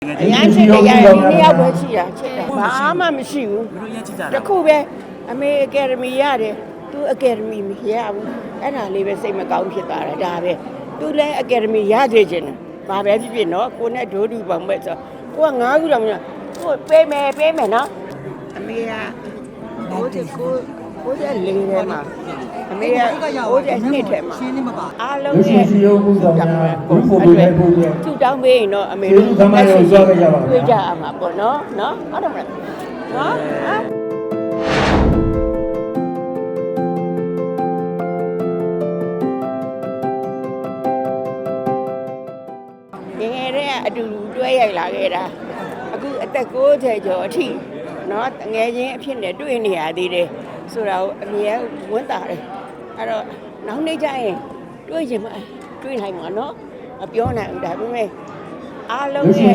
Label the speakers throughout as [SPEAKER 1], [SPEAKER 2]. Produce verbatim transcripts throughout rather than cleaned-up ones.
[SPEAKER 1] အရန်ချစ်တယ်ရရင်နှစ်ယောက်ပဲရှိတာချစ်တယ်ဘာမှမရှိဘူးတခုပဲအမေအကယ်ဒမီရတယ်သူအကယ်ဒမီမရဘူးအဲ့ဒါလေးပဲစိတ်မကောင်းဖြစ်သွားတာဒါပဲသူလည်းအကယ်ဒမီရသေးခြင်းဘာပဲဖြစ်ဖြစ်နော်ကိုနဲ့ဒိုးတူပေါင်းပဲဆိုကိုကငါးခုတော့မရကိုပေးမယ်ပေးမယ်နော်အမေကကိုကိုကိုရဲ့လေးထဲမှာအမေကကိုရဲ့နှစ်ထဲမှာအားလုံးနဲ့သူတောင်းပေးရင်တော့အမေတို့လက်ရှိတွေ့ကြအောင်ပါပေါ့နော်နော်ဟုတ်တယ်မလားနော်ငယ်ငယ်တည်းကအတူတူတွဲရိုက်လာခဲ့တာအခုအသက်ကိုးဆယ်ကျော်အထိနော်ငယ်ချင်းအဖြစ်နဲ့တွေ့နေရသေးတယ်ဆိုတာကိုအမြဲဝန်းတာတယ်အဲ့တော့နောက်နေ့ကျရင်တွေ့ချင်မှတွေ့နိုင်မှာနော်မပြောနိုင်ဘူးဒါပေမဲ့အားလုံးရဲ့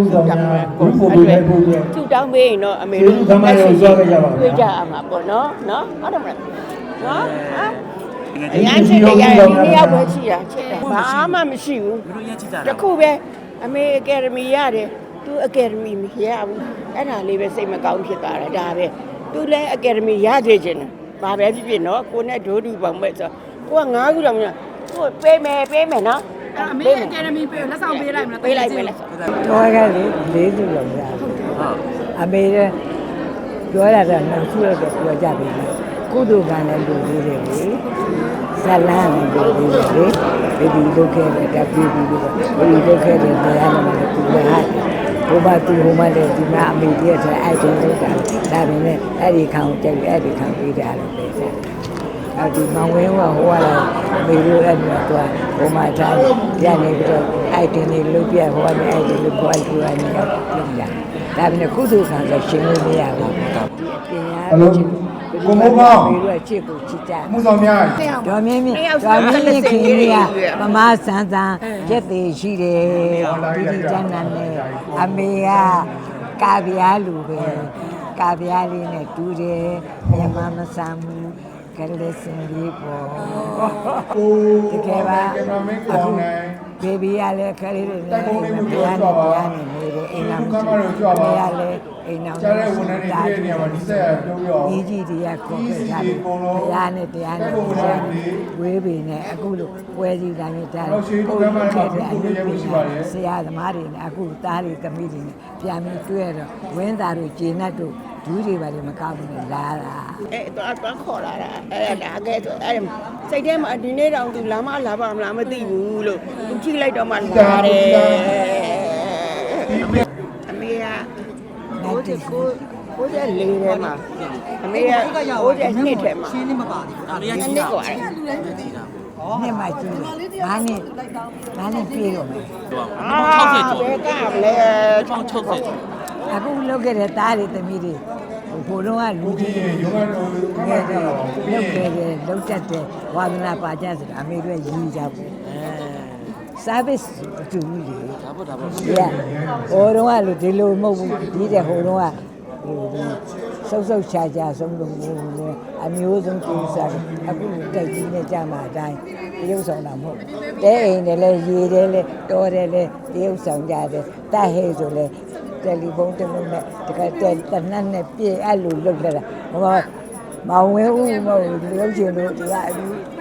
[SPEAKER 1] သူတောင်းပေးရင်တော့အမေတို့လက်ရှိတွေ့ကြအောင်ပါပေါ့နော်နော်ဟုတ်တယ်မလားနော်အရန်ချစ်တယ်ရရင်နှစ်ယောက်ပဲရှိတာချစ်တယ်ဘာမှမရှိဘူးတခုပဲအမေအကယ်ဒမီရတယ်သူအကယ်ဒမီမရဘူးအဲ့ဒါလေးပဲစိတ်မကောင်းဖြစ်သွားတာဒါပဲသူလည်းအကယ်ဒမီရသေးခြင်းဘာပဲဖြစ်ဖြစ်နော်ကိုနဲ့ဒိုးတူပေါင်းပဲဆိုကိုကငါးခုတော့မရကိုပေးမယ်ပေးမယ်နော်
[SPEAKER 2] အမေအကယ်ဒမီပေးလက်ဆောင်ပေးလိုက်မလား
[SPEAKER 1] ပေးလိုက်ပေးလိုက်
[SPEAKER 3] တော့ကလေလေးစုလောက်ရဟုတ်အမေကပြောရတာနောက်စုရတော့ပြောကြပြီကုသိုလ်ကံလည်းလူသေးတယ်လေဇလန်းလည်းလူသေးတယ်လေဘယ်ဒီလုတ်ခဲ့တယ်တပီးပြီးတော့ဘယ်ဒီလုတ်ခဲ့တယ်တရားနာမှာသူလည်းဟိုဘာသူဟိုမလည်းဒီမှာအမေတည်းဆိုအဲ့ဒီလုတ်တာဒါပေမဲ့အဲ့ဒီခံကြိုက်အဲ့ဒီခံပြီးတာလို့ပြောတယ်အဲ့ဒီမောင်ဝင်းကဟိုကလည်းအမေတို့အဲ့မှာသူဟိုမှာထားရနေပြီးတော့အဲ့ဒီနေလုတ်ပြဟိုကနေအဲ့ဒီလုတ်ပေါ်သူကနေလုပ်လာဒါပေမဲ့ကုသိုလ်ကံဆိုရှင်းလို့မရဘူးဒီပညာ
[SPEAKER 4] ကိုမိုးကောင်း
[SPEAKER 3] ပြီးတော့ချစ်ကိုချစ်ကြ
[SPEAKER 4] မှုဆောင်များ
[SPEAKER 3] ဒေါ်မင်းမင်းဒေါ်မင်းမင်းခင်ကြီးကမမဆန်းဆန်းရက်သေးရှိတယ်ဒီဒီကျန်းနန်းနဲ့အမေကကာဗျာလူပဲကာဗျာလေးနဲ့တူတယ်မြန်မာမဆမ်းဘူးကလေးစင်လေးပေါ့တကယ်ပါအခုဘေဘီရလည်းခလေးတွေနဲ့ဘုရားနဲ့ဘုရားနဲ့နေတယ်အိမ်နာမရှိဘူးဘုရားလည်းအိမ်နာမရှိဘူးတားနေမှာဒီဆက်ပြုံးရောကြီးကြီးတွေကခေါ်ခဲ့ကြတယ်ဘုရားနဲ့တရားနဲ့ဘုရားနဲ့ဝေးပေနဲ့အခုလိုပွဲစည်းတိုင်းတားကိုယ်ခဲ့တဲ့အလုပ်တွေဆရာသမားတွေနဲ့အခုသားတွေသမီးတွေနဲ့ပြန်ပြီးတွေ့ရတော့ဝင်းသားတို့ကျေနပ်တို့ဒူးတွေပါလေမကောက်ဘူးနဲ့လာတာ
[SPEAKER 1] အဲ့တော့တော့ခေါ်လာတာအဲ့ဒါကဲဆိုအဲ့စိတ်ထဲမှာဒီနေ့တောင်သူလာမလာပါမလားမသိဘူးလို့သူကြည့်လိုက်တော့မှလာတယ်အမေကကိုယ်ကိုကိုယ်ရဲ့လေးထဲမှာအမေကကိုယ်ရဲ့နှစ်ထဲမှာ
[SPEAKER 2] ရှင်းနေမပါဘူး
[SPEAKER 1] အမေကနှစ်กว่าတယ်
[SPEAKER 3] နှစ်မှကျူးတယ်ဘာနဲ့ဘာနဲ့ပြေးတော့မယ်
[SPEAKER 1] အာ60ကျော်ဘယ်ကမလဲ
[SPEAKER 2] 60ကျော်
[SPEAKER 3] အခုလောက်ခဲ့တဲ့သားတွေသမီးတွေဟိုတော့ကလူကြီးတွေငယ်တော့လောက်ခဲ့တယ်လောက်တတ်တယ်ဝါသနာပါကြဆိုတာအမေတို့ရည်ကြဘူးအဲ service တူကြီးလေ
[SPEAKER 2] ဒါပေါ့ဒါပေါ့
[SPEAKER 3] ဟိုတော့ကလူဒီလိုမဟုတ်ဘူးဒီတဲ့ဟိုတော့ကဟိုဆုပ်ဆုပ်ချာချာဆုံးလို့အမျိုးဆုံးကျူးစားအခုတက်ကြီးနဲ့ကြမှာအတိုင်းတရုပ်ဆောင်တာမဟုတ်တဲအိမ်တယ်လဲရေတယ်လဲတော်တယ်လဲတရုပ်ဆောင်ကြတယ်တဟဲဆိုလဲတယ်လီဖုန်းတစ်လုံးနဲ့တကယ်တနတ်နဲ့ပြည့်အဲ့လိုလုပ်လာတာဟောမောင်ဝဲဦးမဟုတ်လို့ချင်လို့ဒီကအပြီး